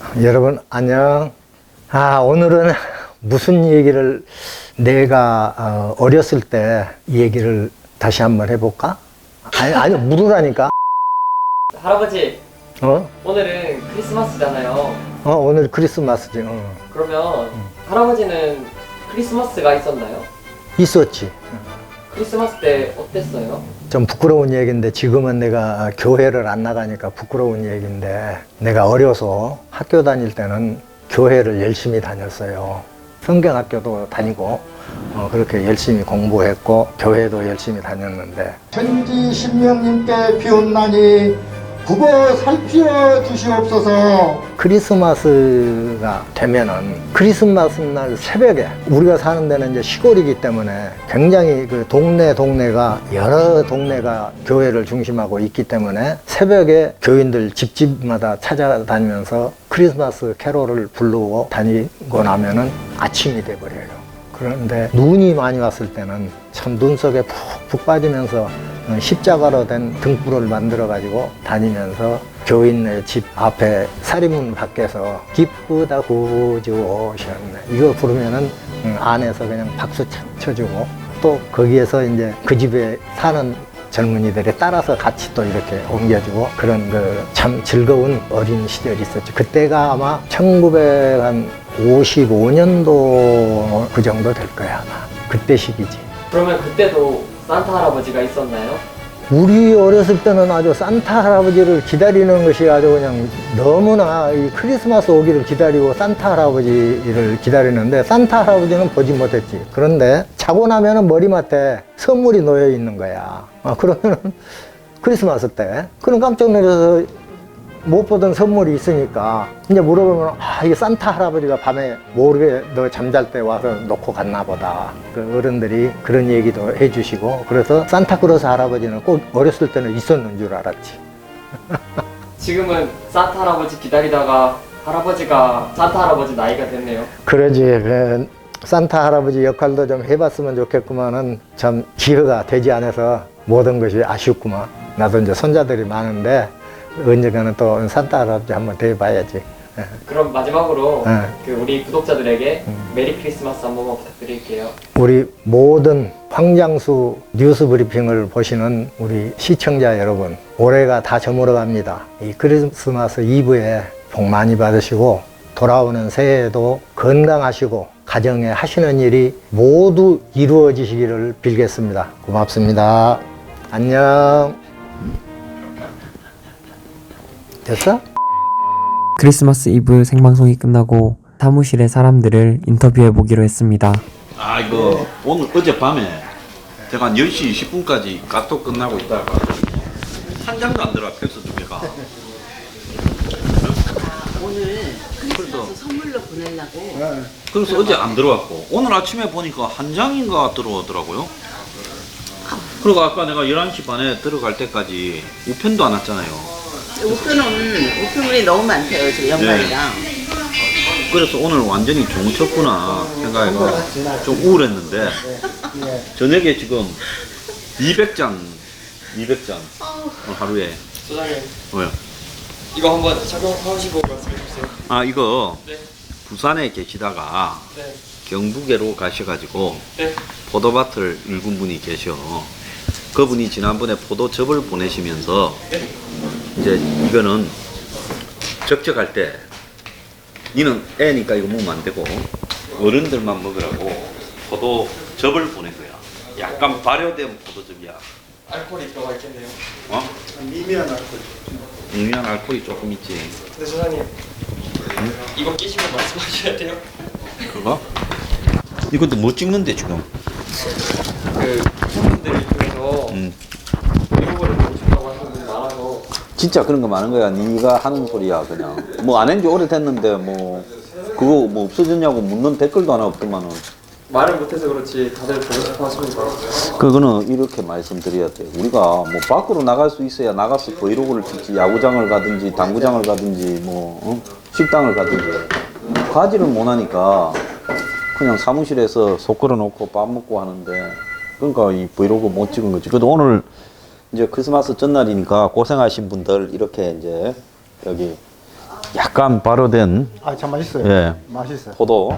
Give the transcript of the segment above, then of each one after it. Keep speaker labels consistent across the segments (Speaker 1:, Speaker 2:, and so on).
Speaker 1: 여러분 안녕. 오늘은 무슨 얘기를 내가 어렸을 때 얘기를 다시 한번 해볼까? 아니 물으라니까.
Speaker 2: 할아버지, 오늘은 크리스마스잖아요.
Speaker 1: 오늘 크리스마스지.
Speaker 2: 그러면 할아버지는 크리스마스가 있었나요?
Speaker 1: 있었지.
Speaker 2: 크리스마스 때 어땠어요?
Speaker 1: 좀 부끄러운 얘기인데 지금은 내가 교회를 안 나가니까 부끄러운 얘기인데, 내가 어려서 학교 다닐 때는 교회를 열심히 다녔어요. 성경학교도 다니고 그렇게 열심히 공부했고 교회도 열심히 다녔는데, 천지 신명님께 비온나니 국어 살피어 주시옵소서. 크리스마스가 되면은 크리스마스 날 새벽에, 우리가 사는 데는 이제 시골이기 때문에 굉장히 그 동네가 여러 동네가 교회를 중심하고 있기 때문에 새벽에 교인들 집집마다 찾아다니면서 크리스마스 캐롤을 부르고 다니고 나면은 아침이 돼버려요. 그런데 눈이 많이 왔을 때는 참 눈 속에 푹 빠지면서 십자가로 된 등불을 만들어 가지고 다니면서 교인네 집 앞에 사리문 밖에서 기쁘다 구주 오셨네 이거 부르면은 안에서 그냥 박수 쳐주고, 또 거기에서 이제 그 집에 사는 젊은이들이 따라서 같이 또 이렇게 옮겨주고, 그런 그 참 즐거운 어린 시절이 있었죠. 그때가 아마 1955년도 그 정도 될 거야 아마. 그때 시기지.
Speaker 2: 그러면 그때도 산타 할아버지가 있었나요?
Speaker 1: 우리 어렸을 때는 아주 산타 할아버지를 기다리는 것이 아주 그냥 너무나, 이 크리스마스 오기를 기다리고 산타 할아버지를 기다리는데, 산타 할아버지는 보지 못했지. 그런데 자고 나면은 머리맡에 선물이 놓여 있는 거야. 그러면은 크리스마스 때 그럼 깜짝 놀라서 못 보던 선물이 있으니까 이제 물어보면, 이게 산타 할아버지가 밤에 모르게 너 잠잘 때 와서 놓고 갔나 보다. 그 어른들이 그런 얘기도 해주시고, 그래서 산타크로스 할아버지는 꼭 어렸을 때는 있었는 줄 알았지.
Speaker 2: 지금은 산타 할아버지 기다리다가 할아버지가 산타 할아버지 나이가 됐네요.
Speaker 1: 그러지. 그 산타 할아버지 역할도 좀 해봤으면 좋겠구만은 참 기회가 되지 않아서 모든 것이 아쉽구만. 나도 이제 손자들이 많은데 언젠가는 또 산타 할아버지 한번 대봐야지.
Speaker 2: 그럼 마지막으로 그 우리 구독자들에게 메리 크리스마스 한 번만 부탁드릴게요.
Speaker 1: 우리 모든 황장수 뉴스 브리핑을 보시는 우리 시청자 여러분, 올해가 다 저물어 갑니다. 이 크리스마스 이브에 복 많이 받으시고, 돌아오는 새해에도 건강하시고 가정에 하시는 일이 모두 이루어지시기를 빌겠습니다. 고맙습니다. 안녕. 됐어?
Speaker 3: 크리스마스 이브 생방송이 끝나고 사무실의 사람들을 인터뷰해 보기로 했습니다.
Speaker 4: 이거 오늘 어젯밤에 제가 한 10시 20분까지 카톡 끝나고 있다가 한 장도 안 들어와, 팩스 두 개가.
Speaker 5: 오늘 크리스마스 선물로 보내려고.
Speaker 4: 그래서 어제 안 들어왔고, 오늘 아침에 보니까 한 장인가 들어오더라고요. 그리고 아까 내가 11시 반에 들어갈 때까지 우편도 안 왔잖아요.
Speaker 5: 우편물이 너무 많대요, 지금 연말이랑.
Speaker 4: 그래서 오늘 완전히 종쳤구나 생각해서 좀 우울했는데, 저녁에 지금 200장 하루에.
Speaker 2: 소장님,
Speaker 4: 뭐요?
Speaker 2: 이거 한번 착용하시고 말씀해 주세요.
Speaker 4: 이거
Speaker 2: 네.
Speaker 4: 부산에 계시다가
Speaker 2: 네.
Speaker 4: 경북에로 가셔가지고
Speaker 2: 네.
Speaker 4: 포도밭을 일군 분이 계셔. 그분이 지난번에 포도즙을 보내시면서 이제 이거는 적적할 때 니는 애니까 이거 먹으면 안 되고 어른들만 먹으라고 포도즙을 보낸 거야. 약간 발효된 포도즙이야.
Speaker 2: 알코올이 들어가 있겠네요.
Speaker 4: 미미한 알코올이 조금 있지.
Speaker 2: 근데 소장님, 이거 끼시면 말씀하셔야 돼요.
Speaker 4: 그거? 이것도 뭐 찍는데 지금?
Speaker 2: 그 팬분들을 통해서 이거를 보고 싶다고 하시는 분이 많아서.
Speaker 4: 진짜 그런 거 많은 거야. 네가 하는 소리야 그냥. 뭐 안 한 지 오래됐는데 뭐 그거 뭐 없어졌냐고 묻는 댓글도 하나 없더만은.
Speaker 2: 말을 못해서 그렇지 다들 보고 싶어 하십니다.
Speaker 4: 그거는 이렇게 말씀드려야 돼. 우리가 뭐 밖으로 나갈 수 있어야 나가서 브이로그를 찍지. 야구장을 가든지 당구장을 가든지 뭐 식당을 가든지. 가지를 못하니까 그냥 사무실에서 속 걸어놓고 밥 먹고 하는데, 그러니까 이 브이로그 못 찍은 거지. 그래도 오늘 이제 크리스마스 전날이니까 고생하신 분들 이렇게 이제 여기 약간 발효된
Speaker 1: 아, 참 맛있어요.
Speaker 4: 예.
Speaker 1: 맛있어요.
Speaker 4: 포도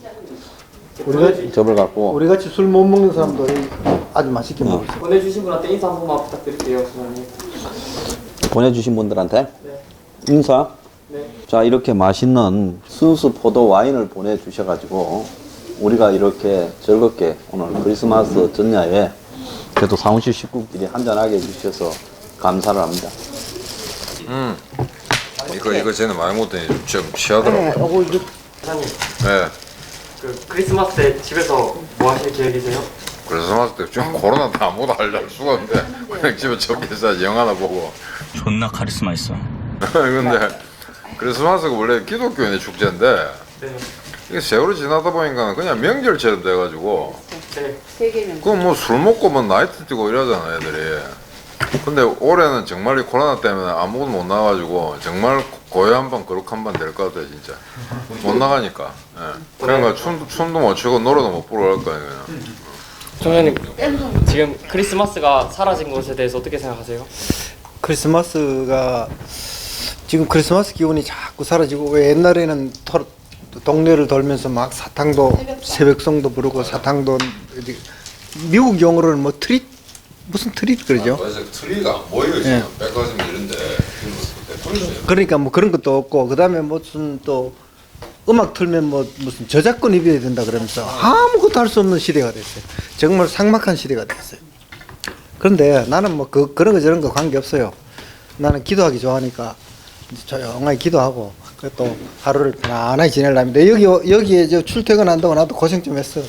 Speaker 4: 접을 갖고
Speaker 1: 우리 같이 술 못 먹는 사람도 아주 맛있게 먹을 수 있어요.
Speaker 2: 보내주신 분한테 인사 한 번만 부탁드릴게요, 소장님.
Speaker 4: 보내주신 분들한테
Speaker 2: 네.
Speaker 4: 인사.
Speaker 2: 네.
Speaker 4: 자, 이렇게 맛있는 순수 포도 와인을 보내주셔가지고 우리가 이렇게 즐겁게 오늘 크리스마스 전야에 그래도 사무실 식구끼리 한잔하게 해주셔서 감사를 합니다.
Speaker 6: 이거 쟤는 많이 먹더니 좀 취하더라고요.
Speaker 2: 소장님,
Speaker 6: 네.
Speaker 2: 그 크리스마스 때 집에서 뭐 하실 계획이세요?
Speaker 6: 크리스마스 때 지금 코로나 때 아무도 할 수가 없는데 그냥 집에 적게서 영화나 보고.
Speaker 7: 존나 카리스마 있어.
Speaker 6: 근데 크리스마스가 원래 기독교인의 축제인데
Speaker 2: 네.
Speaker 6: 이게 세월이 지나다 보니까 그냥 명절처럼 돼가지고
Speaker 2: 네.
Speaker 5: 세계는
Speaker 6: 그건 뭐 술 먹고 뭐 나이트 뛰고 이러잖아 애들이. 근데 올해는 정말 이 코로나 때문에 아무것도 못 나가지고 정말 고해 한번 거룩 한번 될 것 같아 진짜. 못 나가니까. 예. 그러니까 춤도 못 추고 노래도 못 부르고 할 거야 그냥.
Speaker 2: 소장님, 지금 크리스마스가 사라진 것에 대해서 어떻게 생각하세요?
Speaker 8: 크리스마스가 지금 크리스마스 기분이 자꾸 사라지고 왜 옛날에는 동네를 돌면서 막 사탕도 새벽송도 부르고 사탕도 미국 용어로는 뭐 트릿 무슨 트릿 그러죠?
Speaker 6: 그래서 트리가 안 보여요
Speaker 8: 예.
Speaker 6: 지금 백화점 이런데
Speaker 8: 그러니까 뭐 그런 것도 없고 그다음에 무슨 또 음악 틀면 뭐 무슨 저작권 입어야 된다 그러면서 아무것도 할 수 없는 시대가 됐어요. 정말 삭막한 시대가 됐어요. 그런데 나는 뭐 그런 거 저런 거 관계 없어요. 나는 기도하기 좋아하니까 조용하게 기도하고 또 하루를 편안하게 지내려면 여기에 저 출퇴근한다고 나도 고생 좀 했어.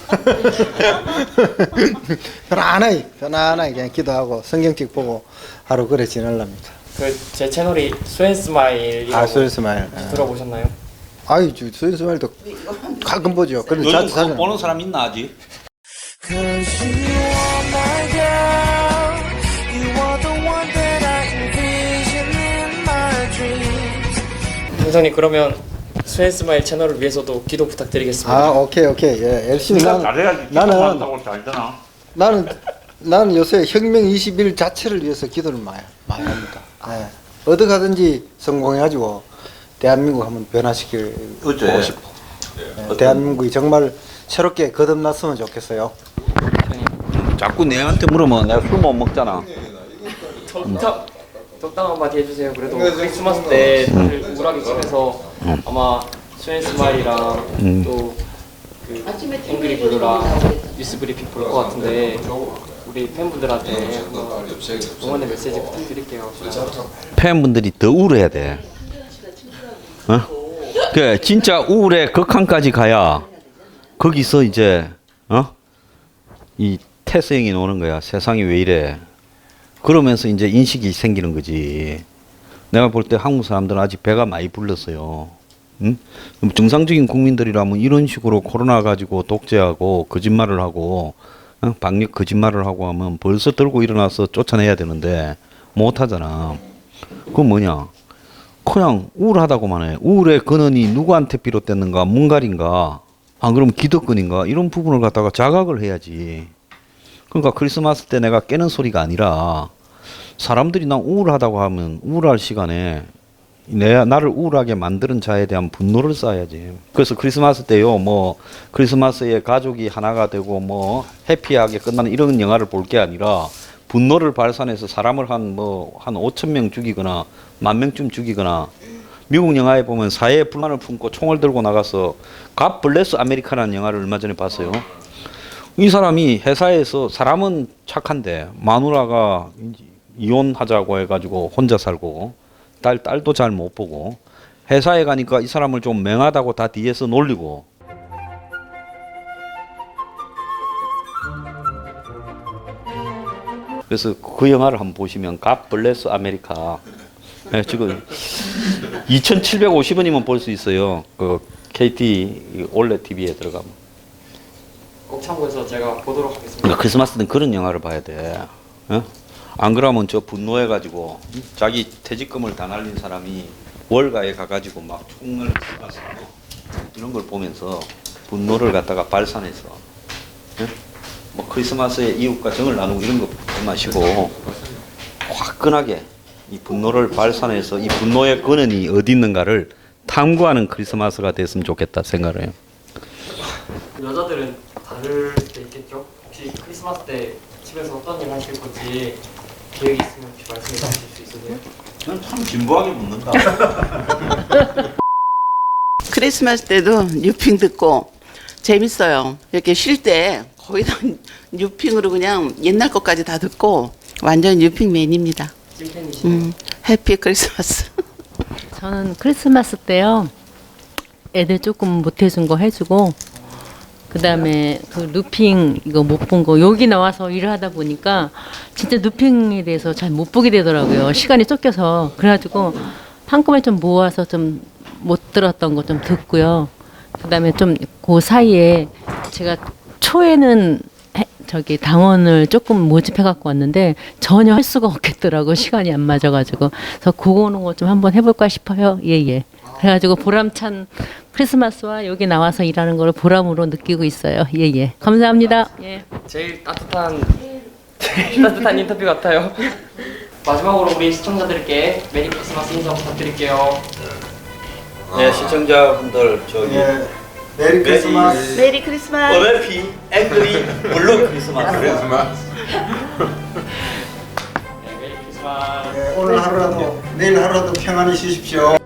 Speaker 8: 편안하게 그냥 기도하고 성경책 보고 하루 그래 지내랍니다.
Speaker 2: 그 제 채널이 스웬스마일이라고
Speaker 8: 스웬스마일.
Speaker 2: 들어보셨나요?
Speaker 8: 아유, 스웬스마일도 가끔 보죠. 근데 자주 사는
Speaker 4: 보는 사람 있나 아직?
Speaker 2: 소장님, 그러면 스웬스마일 채널을 위해서도 기도 부탁드리겠습니다.
Speaker 8: 아, 오케이. 예, 열심히 나는 요새 혁명 21 자체를 위해서 기도를 많이 합니다. 네. 어디 가든지 성공해가지고 대한민국 한번 변화시키고
Speaker 4: 어째?
Speaker 8: 싶고 네, 대한민국이 정말 새롭게 거듭났으면 좋겠어요.
Speaker 4: 자꾸 내한테 물으면 내가 술 못 먹잖아.
Speaker 2: 적당 한마디 해주세요. 그래도 크리스마스 때 다들 우울하게 지내서 아마 스웬스마일이랑 또그 앵그리 블루랑 뉴스 브리핑 볼 것 같은데 우리 팬분들한테 한번 응원의 메시지 부탁드릴게요.
Speaker 4: 팬분들이 더 우울해야 돼. 어? 그 진짜 우울의 극한까지 가야 거기서 이제 이 태생이 오는 거야. 세상이 왜 이래? 그러면서 이제 인식이 생기는 거지. 내가 볼 때 한국 사람들은 아직 배가 많이 불렀어요. 응? 정상적인 국민들이라면 이런 식으로 코로나 가지고 독재하고 거짓말을 하고 방역 거짓말을 하고 하면 벌써 들고 일어나서 쫓아내야 되는데 못 하잖아. 그건 뭐냐? 그냥 우울하다고만 해. 우울의 근원이 누구한테 비롯됐는가? 문갈인가? 안 그러면 기득권인가? 이런 부분을 갖다가 자각을 해야지. 그러니까 크리스마스 때 내가 깨는 소리가 아니라 사람들이 난 우울하다고 하면 우울할 시간에 나를 우울하게 만드는 자에 대한 분노를 쌓아야지. 그래서 크리스마스 때요, 뭐 크리스마스에 가족이 하나가 되고 뭐 해피하게 끝나는 이런 영화를 볼 게 아니라 분노를 발산해서 사람을 한 5천 명 죽이거나 10,000명쯤 죽이거나 미국 영화에 보면 사회의 불만을 품고 총을 들고 나가서 갓 블레스 아메리카라는 영화를 얼마 전에 봤어요. 이 사람이 회사에서 사람은 착한데 마누라가 이혼하자고 해가지고 혼자 살고 딸도 잘 못 보고 회사에 가니까 이 사람을 좀 맹하다고 다 뒤에서 놀리고 그래서 그 영화를 한번 보시면 갓 블레스 아메리카 지금 2,750원이면 볼 수 있어요. 그 KT 올레 TV에 들어가면.
Speaker 2: 꼭 참고해서 제가 보도록 하겠습니다.
Speaker 4: 그러니까 크리스마스 때는 그런 영화를 봐야 돼. 안 그러면 저 분노해가지고 자기 퇴직금을 다 날린 사람이 월가에 가가지고 막 총을 쏴서 이런 걸 보면서 분노를 갖다가 발산해서 뭐 크리스마스에 이웃과 정을 나누고 이런 거 보지 마시고 화끈하게 이 분노를 발산해서 이 분노의 근원이 어디 있는가를 탐구하는 크리스마스가 됐으면 좋겠다 생각을 해요.
Speaker 2: 여자들은 다를 때 있겠죠? 혹시 크리스마스 때 집에서 어떤 일 하실 건지 계획이 있으면 혹시 말씀해 주실 수 있으세요?
Speaker 4: 저는 참 진부하게 묻는다.
Speaker 5: 크리스마스 때도 뉴핑 듣고 재밌어요. 이렇게 쉴 때 거의 다 뉴핑으로 그냥 옛날 것까지 다 듣고 완전 뉴핑맨입니다.
Speaker 2: 찐팬이시네요.
Speaker 5: 해피 크리스마스.
Speaker 7: 저는 크리스마스 때요. 애들 조금 못 해준 거 해주고 그다음에 그 루핑 이거 못 본 거 여기 나와서 일을 하다 보니까 진짜 루핑에 대해서 잘 못 보게 되더라고요. 시간이 쫓겨서. 그래가지고 한꺼번에 좀 모아서 좀 못 들었던 거 좀 듣고요. 그다음에 좀 그 사이에 제가 초에는 저기 당원을 조금 모집해 갖고 왔는데 전혀 할 수가 없겠더라고. 시간이 안 맞아가지고. 그래서 그거는 거 좀 한번 해볼까 싶어요. 예예. 그래가지고 보람찬 크리스마스와 여기 나와서 일하는 걸 보람으로 느끼고 있어요. 예예. 감사합니다. 예.
Speaker 2: 제일 따뜻한 인터뷰 같아요. 마지막으로 우리 시청자들께 메리 크리스마스 인사 부탁드릴게요.
Speaker 4: 네, 시청자분들 저기
Speaker 8: 메리 크리스마스.
Speaker 5: 메리 크리스마스.
Speaker 4: 어레피 앵그리 블루 크리스마스.
Speaker 2: 네, 메리 크리스마스.
Speaker 8: 오늘 하루라도 내일 하루라도 평안히 쉬십시오.